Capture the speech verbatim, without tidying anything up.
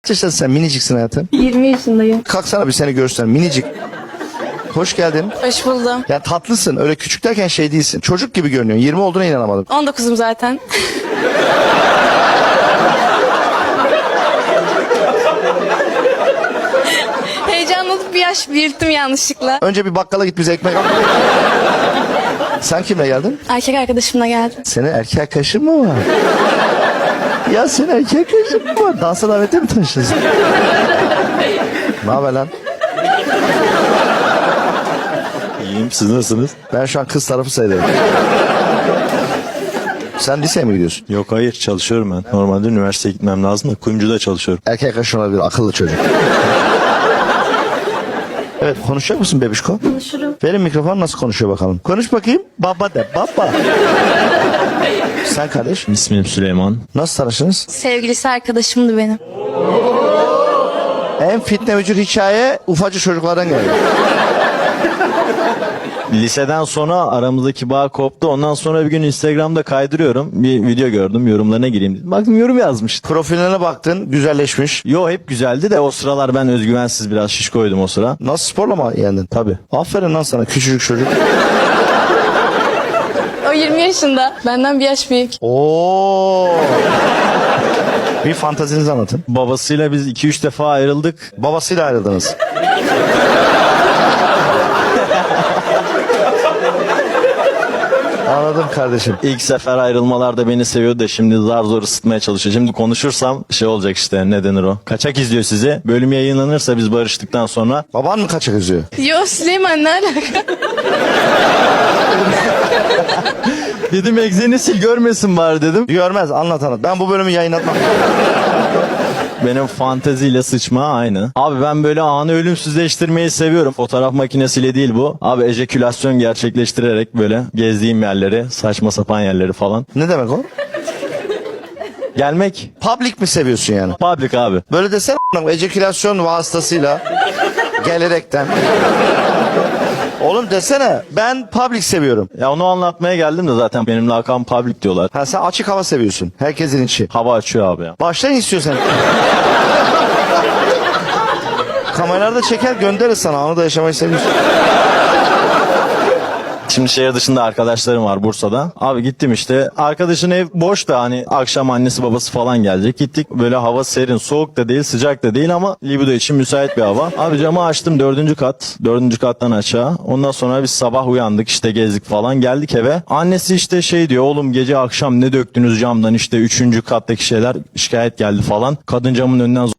Kaç yaşındasın sen? Miniciksin hayatım. yirmi yaşındayım. Kalksana bir seni görsün. Minicik. Hoş geldin. Hoş buldum. Ya tatlısın. Öyle küçük derken şey değilsin. Çocuk gibi görünüyorsun. yirmi olduğuna inanamadım. on dokuzum zaten. Heyecanlanıp bir yaş büyüttüm yanlışlıkla. Önce bir bakkala git bize ekmek al. Sen kimle geldin? Erkek arkadaşımla geldim. Senin erkek arkadaşın mı var? Ya senin erkek arkadaşın mı var? Dansa davette mi tanıştınız? Ne haber lan? İyiyim, siz nasılsınız? Ben şu an kız tarafı sayılırım. Sen liseye mi gidiyorsun? Yok hayır, çalışıyorum ben. Normalde üniversiteye gitmem lazım da kuyumcuda çalışıyorum. Erkek arkadaşın olabilir, akıllı çocuk. Evet, konuşacak mısın bebişko? Konuşurum. Verin mikrofon, nasıl konuşuyor bakalım. Konuş bakayım. Baba de, baba. Sen kardeş, İsmim Süleyman. nasıl tanıştınız? Sevgilisi arkadaşımdı benim. En fitne vücut hikaye ufacık çocuklardan geliyor. Liseden sonra aramızdaki bağ koptu. Ondan sonra bir gün Instagram'da kaydırıyorum. Bir video gördüm, yorumlarına gireyim dedim. Baktım yorum yazmış. Profiline baktın, güzelleşmiş. Yo hep güzeldi de o sıralar ben özgüvensiz biraz şişkoydum o sıra. Nasıl, sporla mı yendin? Tabii. Aferin lan sana, küçücük çocuk. O yirmi yaşında. Benden bir yaş büyük. Oo. Bir fantazinizi anlatın. Babasıyla biz iki üç defa ayrıldık. Babasıyla ayrıldınız. Anladım kardeşim. İlk sefer ayrılmalarda beni seviyordu da şimdi zar zor ısıtmaya çalışıyor. Şimdi konuşursam şey olacak işte, ne denir o? Kaçak izliyor sizi. Bölüm yayınlanırsa biz barıştıktan sonra. Baban mı kaçak üzüyor? Yo Süleyman ne alaka? Dedim egzeni sil görmesin bari dedim. Görmez, anlat anlat. Ben bu bölümü yayınlatmam. Benim fanteziyle sıçma aynı. Abi ben böyle anı ölümsüzleştirmeyi seviyorum. Fotoğraf makinesiyle değil bu. Abi ejekülasyon gerçekleştirerek böyle gezdiğim yerleri, saçma sapan yerleri falan. Ne demek o? Gelmek Public mi seviyorsun yani? public abi. Böyle desene a**ım, ejekülasyon vasıtasıyla gelerekten. Oğlum desene, ben public seviyorum. Ya onu anlatmaya geldim de zaten benim lakabım public diyorlar. Ha, sen açık hava seviyorsun. Herkesin içi. Hava açıyor abi ya. Başlayın istiyorsan. Kameralarda çeker gönderir sana. Onu da yaşamayı seviyorsun. Şimdi şehir dışında arkadaşlarım var Bursa'da. Abi gittim işte. Arkadaşın ev boş da hani akşam annesi babası falan gelecek. Gittik böyle hava serin, soğuk da değil, sıcak da değil ama libido için müsait bir hava. Abi camı açtım, dördüncü kat. Dördüncü kattan aşağı. Ondan sonra biz sabah uyandık işte, gezdik falan. Geldik eve. Annesi işte şey diyor, oğlum gece akşam ne döktünüz camdan, işte üçüncü kattaki şeyler, şikayet geldi falan. Kadın camın önünden